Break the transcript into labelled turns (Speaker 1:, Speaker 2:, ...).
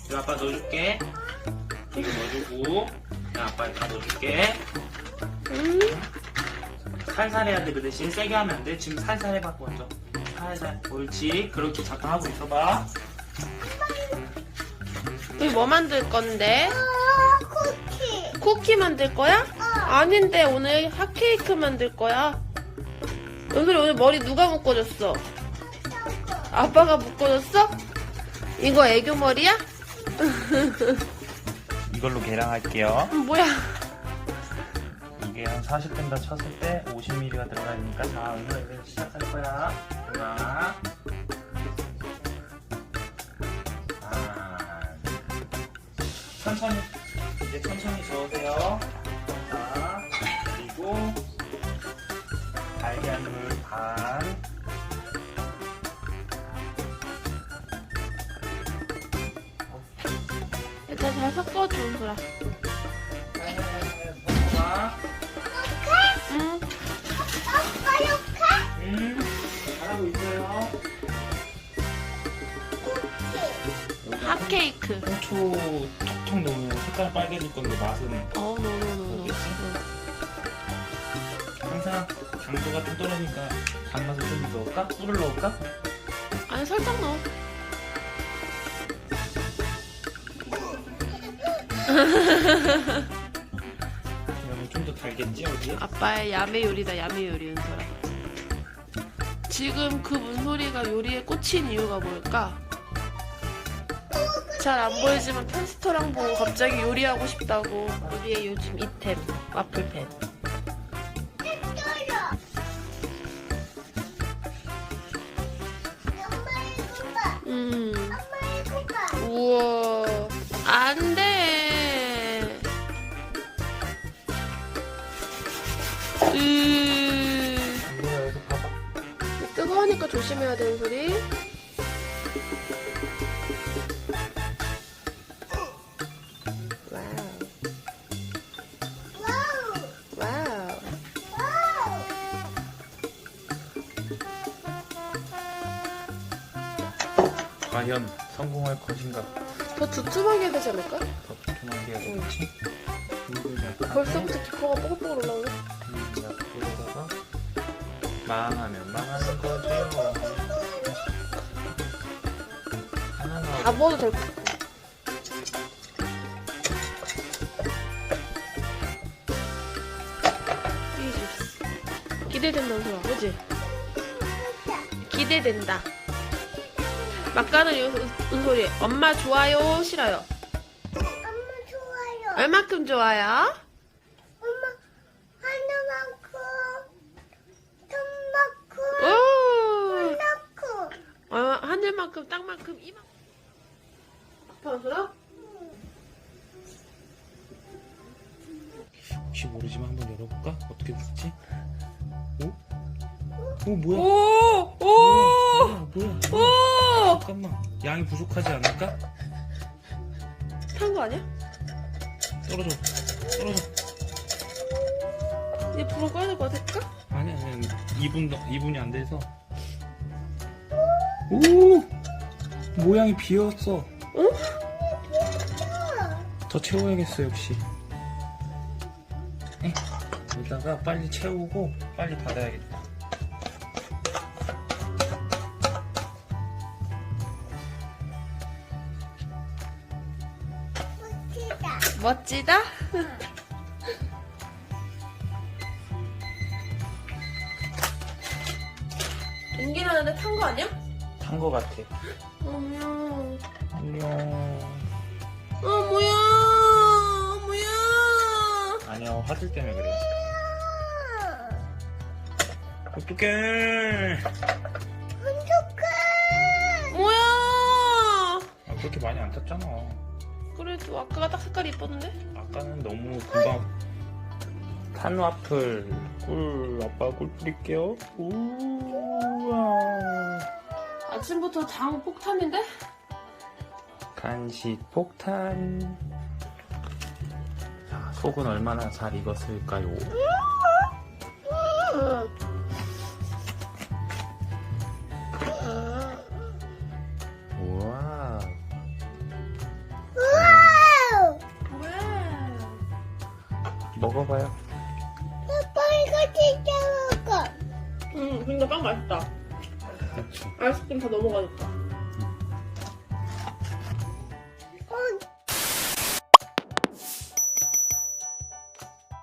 Speaker 1: 이거 아빠 넣어줄게. 이거 넣어주고, 야, 아빠 다 넣어줄게. 살살 해야 돼. 그 대신 세게 하면 안 돼. 지금 살살 해봐, 먼저. 살살. 옳지. 그렇게 잠깐 하고 있어봐.
Speaker 2: 우리 뭐 만들 건데?
Speaker 3: 쿠키.
Speaker 2: 쿠키 만들 거야? 아닌데 오늘 핫케이크 만들 거야. 은솔이 오늘 머리 누가 묶어줬어? 아빠가 묶어줬어? 이거 애교 머리야?
Speaker 1: 이걸로 계량할게요.
Speaker 2: 뭐야?
Speaker 1: 이게 한 40 된다 쳤을 때 50ml가 들어가니까 자, 오늘 시작할 거야. 하나. 천천히, 이제 천천히 저으세요. 자, 그리고 달걀물 반.
Speaker 2: 일단 잘 섞어줘, 은솔아.
Speaker 1: 섞어봐.
Speaker 2: 응.
Speaker 1: 잘하고 있어요.
Speaker 2: 핫케이크.
Speaker 1: 홍초 톡톡 넣으면 색깔 빨개질 건데 맛은
Speaker 2: 노노노노.
Speaker 1: 항상 당도가 좀 떨어지니까 단맛을 좀 넣을까? 꿀을 넣을까?
Speaker 2: 아니 살짝 넣어.
Speaker 1: 그러면 좀 더 달겠지 여기에?
Speaker 2: 아빠의 야매 요리다, 야매 요리 은솔아. 지금 그 문소리가 요리에 꽂힌 이유가 뭘까? 잘 안 보이지만 편스토랑 보고 갑자기 요리하고 싶다고. 우리의 요즘 이템 와플펜. 우와, 안 돼.
Speaker 1: 뭐야 여기서 봐봐.
Speaker 2: 뜨거우니까 조심해야 되는 소리. 와우.
Speaker 1: 과연 성공할 것인가?
Speaker 2: 더 두툼하게 해야 되지 않을까?
Speaker 1: 더 두툼하게 해야 되겠지?
Speaker 2: 벌써부터 기포가 뽀글뽀글 올라오네.
Speaker 1: 약불에다가 망하면 망하는 거지요. 하나
Speaker 2: 다 먹어도 될 것 같아. 기대된다, 은솔아. 그지? 기대된다. 막간을 은솔이. 엄마 좋아요, 싫어요?
Speaker 3: 엄마 좋아요.
Speaker 2: 얼마큼 좋아요?
Speaker 3: 엄마 하나만큼,
Speaker 2: 오!
Speaker 3: 둘만큼, 하나만큼.
Speaker 2: 하늘만큼, 땅만큼, 이만큼. 아파, 은솔아?
Speaker 1: 혹시 모르지만 한번 열어볼까? 어떻게 됐지? 오? 오 뭐야?
Speaker 2: 오! 오!
Speaker 1: 뭐야?
Speaker 2: 오!
Speaker 1: 잠깐만, 양이 부족하지 않을까?
Speaker 2: 탄 거 아니야?
Speaker 1: 떨어져.
Speaker 2: 이제 불을 꺼야 될 것 같을까?
Speaker 1: 아니 2분이 안 돼서. 오! 모양이 비었어.
Speaker 2: 응?
Speaker 1: 더 채워야겠어 역시. 여기다가 빨리 채우고 빨리 닫아야겠다.
Speaker 2: 멋지다? 연기 나는데 탄 거 아니야?
Speaker 1: 탄 거 같아.
Speaker 2: 안녕.
Speaker 1: 안녕.
Speaker 2: 뭐야.
Speaker 1: 아니야, 화질 때문에 그래. 어떡해.
Speaker 2: 뭐야.
Speaker 1: 아, 그렇게 많이 안 탔잖아.
Speaker 2: 그래도 아까가 딱 색깔이 이뻤는데?
Speaker 1: 아까는 너무 금방. 탄 와플 꿀. 아빠 꿀 뿌릴게요. 우와.
Speaker 2: 아침부터 장 폭탄인데?
Speaker 1: 간식 폭탄. 자, 속은 얼마나 잘 익었을까요? 우와. 먹어봐요.
Speaker 3: 아빠 이거 진짜 먹어.
Speaker 2: 근데 빵 맛있다.
Speaker 1: 그렇지.
Speaker 2: 아이스크림 다 넘어가니까.